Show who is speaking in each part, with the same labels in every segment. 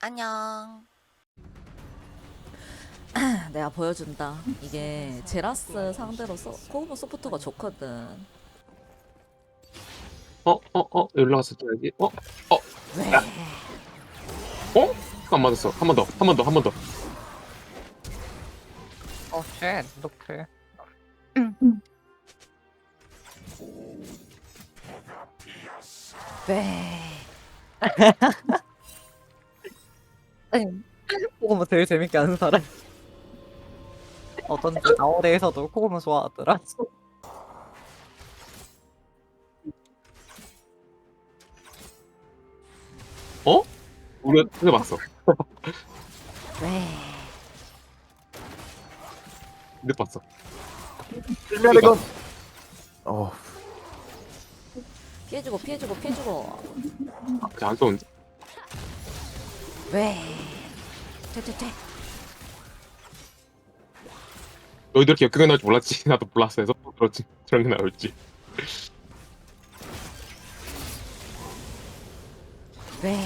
Speaker 1: 안녕.
Speaker 2: 내가 보여준다. 이게 제라스 상대로 코브모 소프트가 좋거든.
Speaker 3: 올라갔을 때 여기.
Speaker 2: 왜?
Speaker 3: 안 맞았어. 한 번 더.
Speaker 4: 어, 쉣, 이렇게.
Speaker 2: 왜?
Speaker 4: 코고모 제일 재밌게 하는 사람. 어쩐지 나월에서도 코고모 좋아하더라.
Speaker 3: 우리가 크게 봤어.
Speaker 2: 왜?
Speaker 3: 늦 봤어.
Speaker 5: 일면의 건.
Speaker 2: 피해주고.
Speaker 3: 그냥 안 쏘는데.
Speaker 2: 왜? 퇴.
Speaker 3: 너희들 이렇게 그게 나올 줄 몰랐지. 나도 몰랐어. 해서 그렇지. 저런 게 나올지.
Speaker 2: 왜?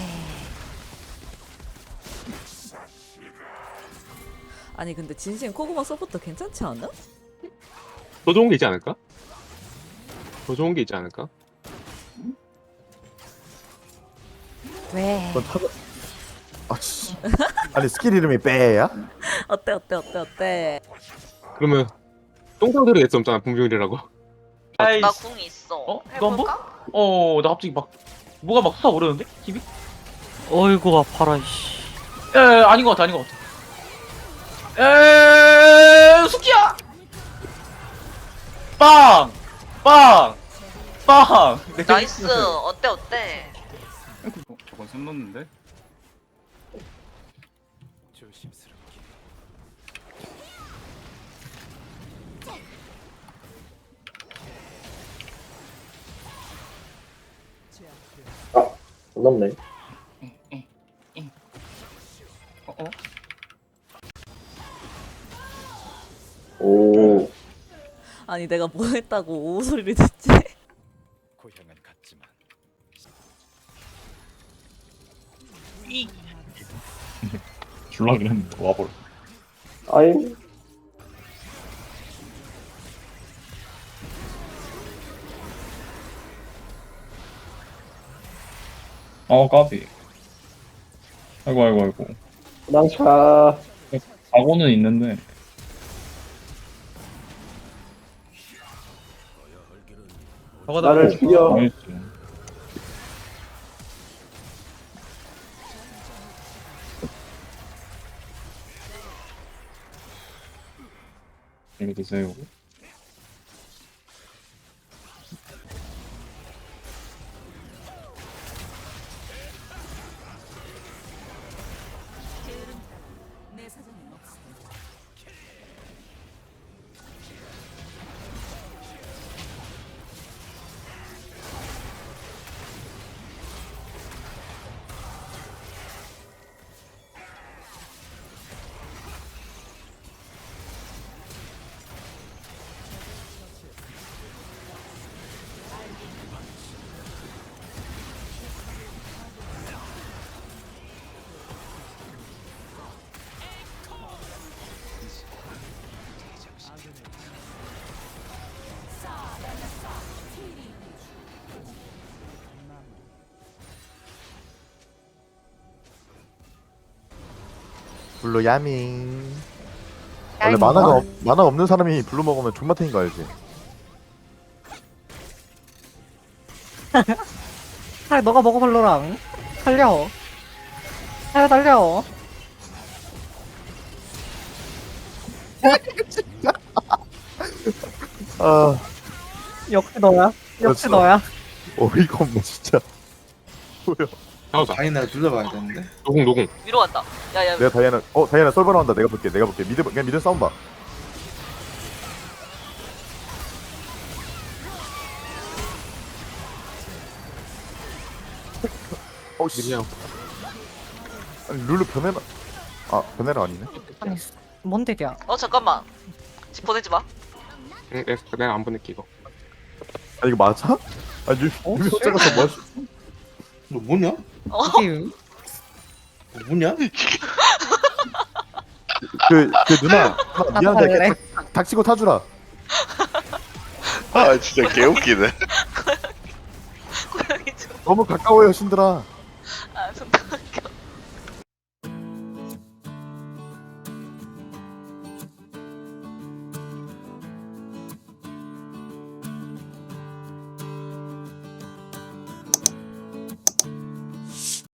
Speaker 2: 아니 근데 진심 코브모 소프트 괜찮지 않아?
Speaker 3: 더 좋은 게 있지 않을까?
Speaker 2: 왜?
Speaker 5: 그건 타가. 씨. 아니 스킬 이름이 빼야?
Speaker 2: 어때?
Speaker 3: 그러면 똥상들이 냈었잖아 분명이라고.
Speaker 1: 나 궁 있어.
Speaker 6: 이거 한 번?
Speaker 1: 해볼까?
Speaker 6: 나 갑자기 막 뭐가 막 솟아오르는데? 힘이?
Speaker 4: 어이구, 아파라, 이씨.
Speaker 6: 아닌 것 같아. 숙기야! 빵!
Speaker 1: 나이스. 어때?
Speaker 7: 저건 손 놓는데?
Speaker 3: 넘네. 오.
Speaker 2: 아니 내가 뭐 했다고 오우 소리를 듣지?
Speaker 7: 고향은 같지만
Speaker 8: 줄라 그랬는데 와버려.
Speaker 3: 아이.
Speaker 8: 까비. 아이고.
Speaker 3: 낭차.
Speaker 8: 사고는 있는데.
Speaker 3: 나를 죽여.
Speaker 8: 나이스. 이거 드세요.
Speaker 5: 블루 야밍. 원래 만화가 없는 사람이 블루 먹으면 존맛탱인 거 알지?
Speaker 4: 아, 너가 먹어볼로랑. 달려. 달려.
Speaker 5: 아
Speaker 4: 역시 너야.
Speaker 5: 그렇죠. 어이가 없네 진짜. 뭐야?
Speaker 3: 나오자.
Speaker 7: 다이나 둘러봐야 되는데?
Speaker 3: 노공.
Speaker 1: 위로 간다. 야야.
Speaker 5: 내가 다이애나 썰버 나온다. 내가 볼게. 그냥 미드 싸움 봐. 씨.
Speaker 3: 그냥
Speaker 5: 아니 룰루 변해라. 변해라 아니네.
Speaker 4: 아니, 뭔 딜이야?
Speaker 1: 잠깐만. 집 보내지 마.
Speaker 3: 응, 내가 안 보낼게 이거.
Speaker 5: 아 이거 맞아? 유미 혼자 가서 뭐?
Speaker 7: 너 뭐냐?
Speaker 1: 어.
Speaker 4: 이게
Speaker 7: 뭐냐?
Speaker 5: 그 누나 미안한데
Speaker 4: 할래?
Speaker 5: 닥치고 타주라.
Speaker 9: 아 진짜 개웃기네.
Speaker 1: 고양이 좀.
Speaker 5: 너무 가까워요 신들아.
Speaker 1: 아, 손